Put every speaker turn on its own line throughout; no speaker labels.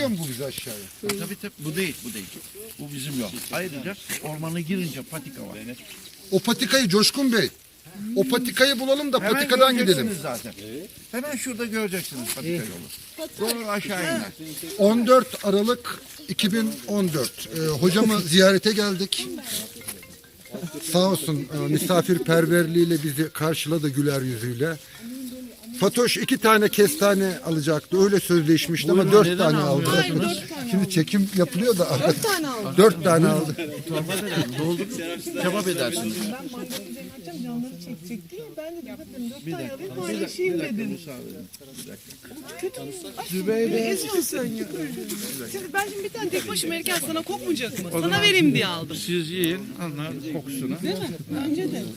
götürüyor mu bu bizi aşağıya?
Tabii tabii bu değil. Bu bizim yol. Ayrıca ormana girince patika var.
O patikayı Coşkun Bey. O patikayı bulalım da
Hemen
patikadan gidelim.
göreceksiniz zaten. Hemen şurada göreceksiniz patika yolu. Doğru aşağı iner.
14 Aralık 2014. Hocamı ziyarete geldik. Sağ olsun misafirperverliğiyle bizi karşıladı güler yüzüyle. Fatoş 2 tane kestane alacaktı. Öyle sözleşmişti ama 4 tane aldı. Şimdi çekim yapılıyor da
4 tane aldım.
4 tane aldı.
Torba verelim. Doldurup kebap edersiniz.
Ben mantıklı yapacağım, canları çekecek diye. Ben de dedim 4 tane alayım paylaşayım dedim. Kötü mü? Zübeyde. Eziyorsun ya. Şimdi ben şimdi bir tane tek başıma yerken sana kokmayacak mı? Sana vereyim diye aldım.
Siz yiyin, anlar kokusunu.
Değil mi? Bence de.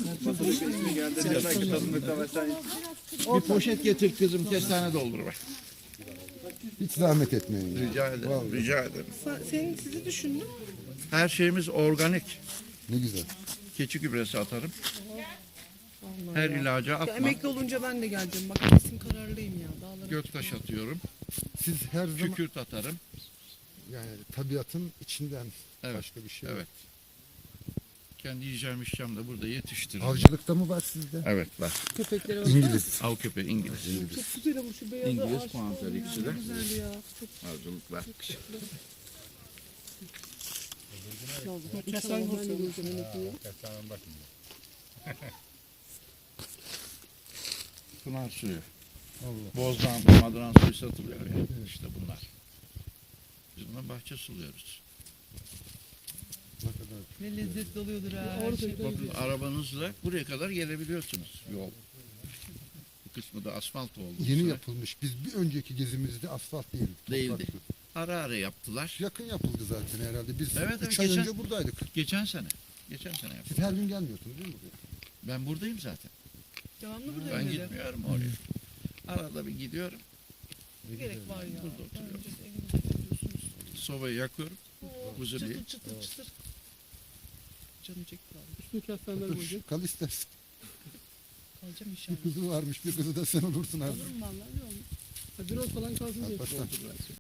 Bir poşet getir kızım, kestane doldur bak.
Hiç zahmet etmeyin. Ya.
Rica ederim, rica ederim.
Sizi düşündüm.
Her şeyimiz organik.
Ne güzel.
Keçi gübresi atarım. Her ilaca
Ya,
atmam.
emekli olunca ben de geleceğim. Bak kesin kararlıyım ya. Dağlara.
Göktaş atıyorum.
Siz her zaman
Kükürt atarım.
yani tabiatın içinden
Evet,
başka bir şey yok.
Evet. Kendi yiyeceğim içeceğim de burada yetiştiririm.
Avcılıkta mı var sizde?
Evet var.
Köpeklere bak.
İngiliz.
Av köpeği İngiliz.
Çok güzel ama şu beyazı
İngiliz
aşk
puanter
oldu ya.
ikisi de.
Ne güzel ya. Çok
Avcılık var.
İnşallah ben de göreceğim emekliyi.
Pınar suyu. Bozdan, Madran suyu satılıyor ya. İşte bunlar. Biz buna bahçe suluyoruz.
Ne lezzetli oluyordur ha.
Bakın arabanızla buraya kadar gelebiliyorsunuz. Yol. Bu kısmı da asfalt oldu. bu
Yeni
sene.
yapılmış. Biz bir önceki gezimizde asfalt değildi.
Değildi.
topraktı.
Ara ara yaptılar.
Yakın yapıldı zaten herhalde. Biz
Evet,
3 ay
geçen-
önce buradaydık.
Geçen sene. Geçen sene yaptık.
Siz her gün gelmiyorsunuz değil mi buraya?
Ben buradayım zaten.
Devamlı burada
Ben
öyle.
gitmiyorum oraya. Arada bir gidiyorum.
Gerek var ya.
Burada oturuyorum.
Önce evinize gidiyorsunuz.
Sobayı yakıyorum. Huzurluyu.
Çıtır çıtır çıtır. Canım çekti abi.
Dur, kal istersen.
Kalacağım
Bir
inşallah.
kızı varmış, bir kızı da sen olursun artık.
Olurum vallahi ne olur.
Biraz falan kalsın diye.
Alparslan.